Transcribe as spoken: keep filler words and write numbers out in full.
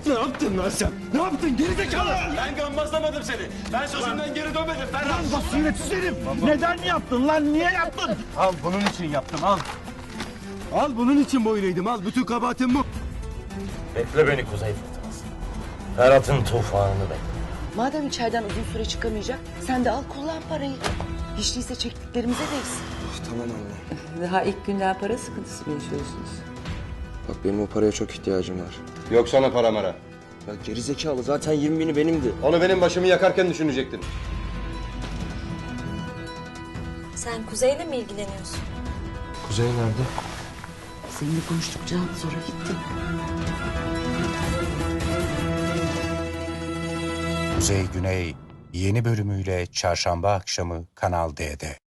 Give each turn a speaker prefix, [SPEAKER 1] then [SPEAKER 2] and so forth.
[SPEAKER 1] Ne yaptın lan sen? Ne yaptın gerizekalı?
[SPEAKER 2] Ben gammazlamadım seni. Ben sözümden geri dönmedim Ferhat.
[SPEAKER 1] Basiretsiz herif. Neden yaptın lan? Niye yaptın? Al bunun için yaptım al. Al bunun için boyun eğdim al. Bütün kabahatim bu.
[SPEAKER 2] Bekle beni Kuzey Fırtınası. Ferhat'ın tufanını bekle.
[SPEAKER 3] Madem içeriden uzun süre çıkamayacak, sen de al kullan parayı. Hiç değilse çektiklerimize değsin.
[SPEAKER 4] Tamam anne.
[SPEAKER 3] Daha ilk günden para sıkıntısı mı yaşıyorsunuz?
[SPEAKER 4] Bak benim o paraya çok ihtiyacım var.
[SPEAKER 5] Yok sana para mara.
[SPEAKER 4] Ya gerizekalı zaten yirmi bini benimdi.
[SPEAKER 5] Onu benim başımı yakarken düşünecektin.
[SPEAKER 6] Sen Kuzey'le mi ilgileniyorsun?
[SPEAKER 4] Kuzey nerede?
[SPEAKER 3] Seninle konuştukça sonra gitti.
[SPEAKER 7] Kuzey Güney yeni bölümüyle çarşamba akşamı Kanal D'de.